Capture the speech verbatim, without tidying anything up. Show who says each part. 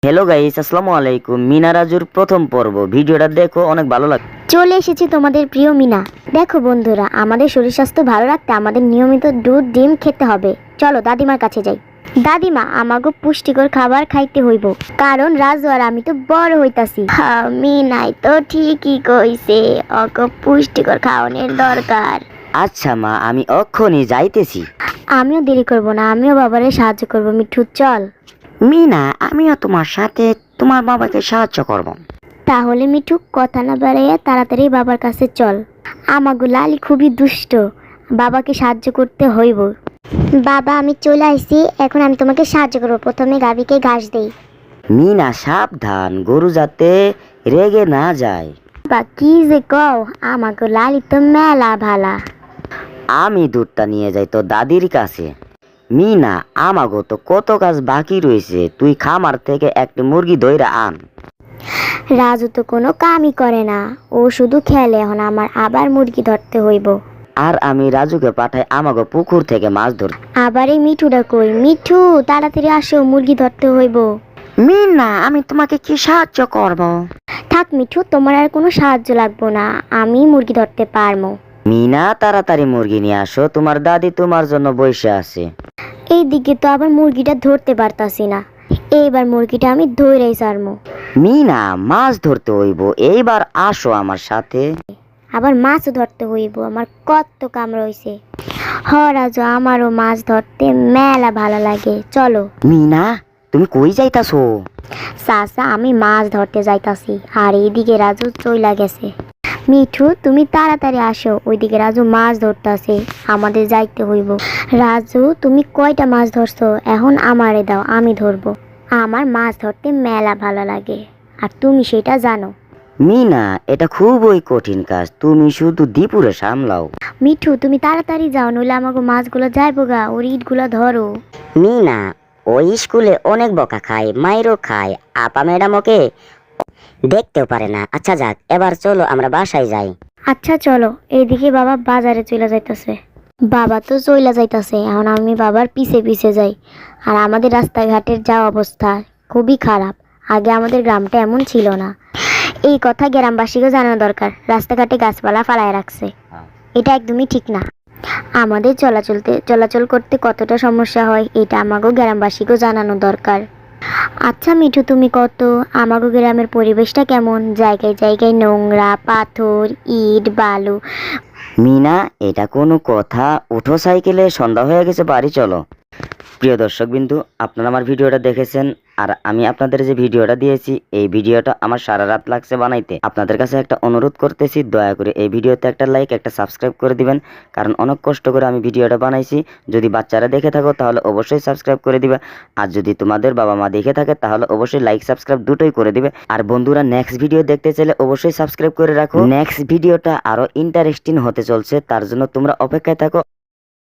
Speaker 1: Hello guys, আসসালামু আলাইকুম। মিনা রাজুর প্রথম পর্ব ভিডিওটা দেখো, অনেক ভালো লাগে।
Speaker 2: চলে এসেছি তোমাদের প্রিয় মিনা। দেখো বন্ধুরা, আমাদের শরীর স্বাস্থ্য ভালো রাখতে আমাদের নিয়মিত দুধ ডিম খেতে হবে। চলো দাদিমার কাছে যাই। দাদিমা, আমাকে পুষ্টিকর খাবার খাইতে হইব, কারণ রাজু আর আমি তো বড় হইতাছি। মিনাই তো ঠিকই কইছে, ওকে পুষ্টিকর খাওয়ানোর দরকার।
Speaker 1: আচ্ছা মা, আমি অক্ষণই যাইতেছি।
Speaker 2: আমিও দেরি করব না, আমিও বাবারে সাহায্য করব। মিঠু চল।
Speaker 1: মিনা, আমিও তোমার সাথে তোমার বাবাকে সাহায্য করব।
Speaker 2: তাহলে মিঠু কথা না বাড়াইয়া তাড়াতাড়ি বাবার কাছে চল। আমাগো লালি খুবই দুষ্ট, বাবাকে সাহায্য করতে হইব। বাবা, আমি চলে আসছি, এখন আমি তোমাকে সাহায্য করবো। প্রথমে গাভীকে ঘাস দেই।
Speaker 1: মিনা সাবধান, গরু যাতে রেগে না যায়।
Speaker 2: বা কি যে কও, আমাগো লালি তো মেলা ভালা।
Speaker 1: আমি দুধটা নিয়ে যাই তো দাদির কাছে। মিনা, আমাগো তো কত কাজ বাকি রয়েছে, তুই খামার থেকে একটি মুরগি ধইরা আন।
Speaker 2: রাজু তো কোনো কামই করে না, ও শুধু খেলে। এখন আমার আবার মুরগি ধরতে হইব।
Speaker 1: আর আমি রাজুকে পাঠাই আমাগো পুকুর থেকে মাছ ধর।
Speaker 2: আবার এই মিঠুটা কই? মিঠু তাড়াতাড়ি আসো, মুরগি ধরতে হইব।
Speaker 1: মিনা, আমি তোমাকে কি সাহায্য করব?
Speaker 2: থাক মিঠু, তোমার আর কোনো সাহায্য লাগবো না, আমি মুরগি ধরতে পারবো।
Speaker 1: মিনা, তাড়াতাড়ি মুরগি নিয়ে আসো, তোমার দাদি তোমার জন্য বসে আছে।
Speaker 2: এইদিকে তো আবার মুরগিটা ধরতে পারতাছি না। এইবার মুরগিটা আমি ধরেই ছাড়বো।
Speaker 1: মিনা, মাছ ধরতে হইব, এইবার আসো আমার সাথে।
Speaker 2: আবার মাছও ধরতে হইব, আমার কত কাম রইছে। হ রাজু, আমারও মাছ ধরতে মেলা ভালো লাগে, চলো।
Speaker 1: মিনা, তুমি কই যাইতাছো?
Speaker 2: চাচা, আমি মাছ ধরতে যাইতাছি, আর এইদিকে রাজু চইলা গেছে। মিঠু, তুমি তাড়াতাড়ি আসো, ওইদিকে রাজু মাছ ধরতেছে, আমাদের যাইতে হইব। রাজু, তুমি কয়টা মাছ ধরছো? এখন আমারে দাও, আমি ধরবো। আমার মাছ ধরতে মেলা ভালো লাগে, আর তুমি সেটা জানো।
Speaker 1: মিনা, এটা খুবই কঠিন কাজ, তুমি শুধু দীপুরে সামলাও।
Speaker 2: মিঠু, তুমি তাড়াতাড়ি যাও, নইলে আমাকে মাছগুলো যাইবো গা, ওর ইটগুলো ধরো।
Speaker 3: মিনা, ওই স্কুলে অনেক বকা খায়, মাইরও খায়, আপা ম্যাডাম ওকে দেখতেও পারে না। আচ্ছা যাক, এবার চলো আমরা বাসায় যাই।
Speaker 2: আচ্ছা চলো। এইদিকে বাবা বাজারে চলে যাইতাছে। বাবা তো চইলা যাইতাছে, এখন আমি বাবার পিছে পিছে যাই। আর আমাদের রাস্তাঘাটের যা অবস্থা, খুবই খারাপ। আগে আমাদের গ্রামটা এমন ছিল না। এই কথা গ্রামবাসীকে জানানো দরকার, রাস্তাঘাটে গাছপালা ফালায় রাখছে, এটা একদমই ঠিক না। আমাদের চলাচলতে চলাচল করতে কতটা সমস্যা হয়, এটা আমাকেও গ্রামবাসীকেও জানানো দরকার। আচ্ছা মিঠু, তুমি কত, আমাগো গ্রামের পরিবেশটা কেমন? জায়গায় জায়গায় নোংরা, পাথর, ইট, বালু।
Speaker 1: মিনা, এটা কোনো কথা? উঠো সাইকেলে, সন্ধ্যা হয়ে গেছে, বাড়ি চলো। প্রিয় দর্শক বিন্দু, আপনারা আমার ভিডিওটা দেখেছেন, আর আমি আপনাদের যে ভিডিওটা দিয়েছি, এই ভিডিওটা আমার সারা রাত লাগছে বানাইতে। আপনাদের কাছে একটা অনুরোধ করতেছি, দয়া করে এই ভিডিওতে একটা লাইক, একটা সাবস্ক্রাইব করে দিবেন, কারণ অনেক কষ্ট করে আমি ভিডিওটা বানাইছি। যদি বাচ্চারা দেখে থাকো তাহলে অবশ্যই সাবস্ক্রাইব করে দিবে, আর যদি তোমাদের বাবা মা দেখে থাকে তাহলে অবশ্যই লাইক সাবস্ক্রাইব দুটোই করে দিবে। আর বন্ধুরা, নেক্সট ভিডিও দেখতে চাইলে অবশ্যই সাবস্ক্রাইব করে রাখো। নেক্সট ভিডিওটা আরো ইন্টারেস্টিং হতে চলছে, তার জন্য তোমরা অপেক্ষায় থাকো।